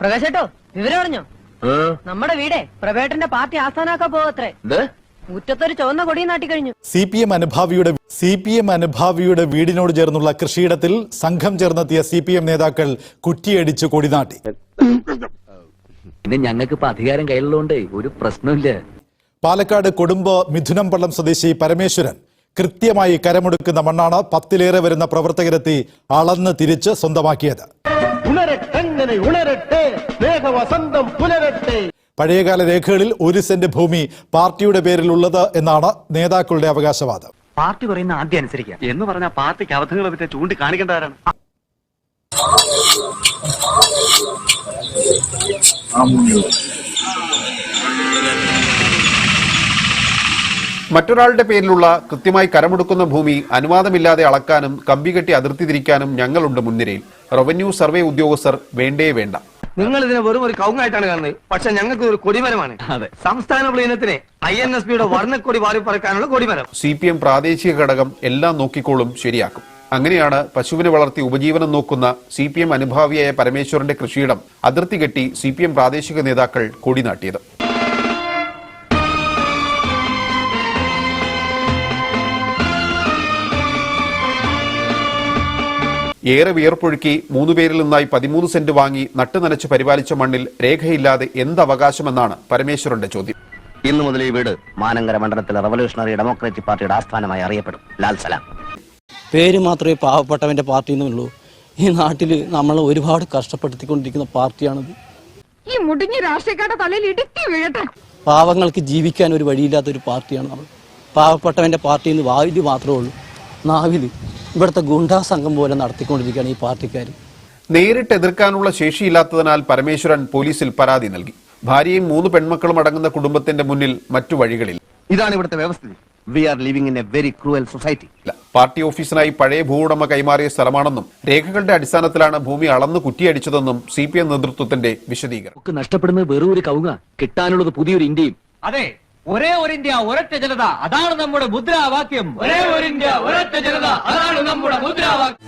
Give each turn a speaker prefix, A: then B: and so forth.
A: പ്രകാശേട്ടോ വിവരം അറിഞ്ഞോ? നമ്മുടെ വീടേ പ്രഭേട്ടന്റെ പാർട്ടി ആസ്ഥാനാക്കാൻ പോവത്രേ. മുറ്റത്തൊരു ചുവന്ന കൊടി നാട്ടിക്കഴിഞ്ഞു.
B: CPM അനുഭാവിയുടെ വീടിനോട് ചേർന്നുള്ള കൃഷിയിടത്തിൽ സംഘം ചേർന്നെത്തിയ CPM നേതാക്കൾ കുറ്റിയടിച്ച് കൊടിനാട്ടി.
C: പിന്നെ ഞങ്ങൾക്ക് ഇപ്പൊ അധികാരം കയ്യിലുള്ളതുകൊണ്ട് ഒരു പ്രശ്നമില്ല.
B: പാലക്കാട് കൊടുമ്പ് മിഥുനംപള്ളം സ്വദേശി പരമേശ്വരൻ കൃത്യമായി കരമെടുക്കുന്ന മണ്ണാണ് 10-ലേറെ വരുന്ന പ്രവർത്തകരെത്തി അളന്ന് തിരിച്ച് സ്വന്തമാക്കിയത്. പഴയകാല രേഖകളിൽ 1 സെന്റ് ഭൂമി പാർട്ടിയുടെ പേരിലുള്ളത് എന്നാണ് നേതാക്കളുടെ അവകാശവാദം.
D: പാർട്ടി പറയുന്ന ആദ്യം അനുസരിക്കുക എന്ന് പറഞ്ഞാൽ പാർട്ടിക്ക് അബദ്ധങ്ങളെ പറ്റി ചൂണ്ടിക്കാണിക്കേണ്ടവരാണ്.
E: മറ്റൊരാളുടെ പേരിലുള്ള കൃത്യമായി കരമെടുക്കുന്ന ഭൂമി അനുവാദമില്ലാതെ അളക്കാനും കമ്പികെട്ടി അതിർത്തി തിരിക്കാനും ഞങ്ങളുണ്ട് മുൻനിരയിൽ. റവന്യൂ സർവേ ഉദ്യോഗസ്ഥർ വേണ്ടേ വേണ്ട.
F: നിങ്ങൾ ഇതിനെ വെറും ഒരു കൗങ്ങായിട്ടാണ് കാണുന്നത്, പക്ഷെ ഞങ്ങൾക്ക് ഒരു കൊടിമരമാണ്. സംസ്ഥാന പ്ലീനത്തിന് INSPയുടെ വർണ്ണക്കൊടി വാരിപ്പറക്കാനുള്ള കൊടിമരം.
E: CPM പ്രാദേശിക ഘടകം എല്ലാം നോക്കിക്കോളും, ശരിയാക്കും. അങ്ങനെയാണ് പശുവിനെ വളർത്തി ഉപജീവനം നോക്കുന്ന CPM അനുഭാവിയായ പരമേശ്വരന്റെ കൃഷിയിടം അതിർത്തി കെട്ടി CPM പ്രാദേശിക നേതാക്കൾ കൊടിനാട്ടിയത്. ഏറെ വിയർപ്പൊഴുക്കി 3 പേരിൽ നിന്നായി 13 സെന്റ് വാങ്ങി നട്ടുനനച്ച് പരിപാലിച്ച മണ്ണിൽ രേഖയില്ലാതെ എന്തവകാശമെന്നാണ് പരമേശ്വരന്റെ ചോദ്യം.
C: ഇന്നു മുതൽ ഈ വീട് മാനങ്കര മണ്ഡലത്തിലെ റവല്യൂഷണറി ഡെമോക്രാറ്റിക് പാർട്ടിയുടെ ആസ്ഥാനമായി അറിയപ്പെടും. ലാൽ സലാം.
G: പേര് മാത്രമേ പാവപ്പെട്ടവന്റെ പാർട്ടി എന്നുള്ളൂ. ഈ നാട്ടിൽ നമ്മൾ ഒരുപാട് കഷ്ടപ്പെടുത്തിക്കൊണ്ടിരിക്കുന്ന പാർട്ടിയാണിത്.
A: ഈ മുടിഞ്ഞ രാഷ്ട്രീയക്കാരുടെ തലയിൽ ഇടുക്കി വീഴട്ടെ.
G: പാവങ്ങൾക്ക് ജീവിക്കാൻ ഒരു വഴിയില്ലാത്ത ഒരു പാർട്ടിയാണ് നമ്മൾ. പാവപ്പെട്ടവന്റെ പാർട്ടി എന്ന് വാവില് മാത്രമേ ഉള്ളൂ. നാവില് ഇവിടുത്തെ ഗുണ്ടാ സംഘം പോലെ നടത്തിക്കൊണ്ടിരിക്കുകയാണ് ഈ പാർട്ടിക്കാർ.
E: നേരിട്ട് എതിർക്കാനുള്ള ശേഷിയില്ലാത്തതിനാൽ പരമേശ്വരൻ പോലീസിൽ പരാതി നൽകി. ഭാര്യയും 3 പെൺമക്കളും അടങ്ങുന്ന കുടുംബത്തിന്റെ മുന്നിൽ മറ്റു വഴികളിൽ.
C: ഇതാണ് ഇവിടുത്തെ വ്യവസ്ഥിതി. We are living in a very cruel society.
E: Party ഓഫീസിനായി പഴയ ഭൂവുടമ കൈമാറിയ സ്ഥലമാണെന്നും രേഖകളുടെ അടിസ്ഥാനത്തിലാണ് ഭൂമി അളന്ന് കുറ്റിയടിച്ചതെന്നും CPM നേതൃത്വത്തിന്റെ വിശദീകരണം.
C: നഷ്ടപ്പെടുന്നത് വെറും ഒരു കവുങ്ങ, കിട്ടാനുള്ളത് പുതിയൊരു ഇന്ത്യയും.
F: അതെ, ഒരേ ഒരു ഇന്ത്യ ഒരൊറ്റ ജനത, അതാണ് നമ്മുടെ മുദ്രാവാക്യം. ഒരേ ഒരു ഇന്ത്യ ഒരൊറ്റ ജനത, അതാണ് നമ്മുടെ മുദ്രാവാക്യം.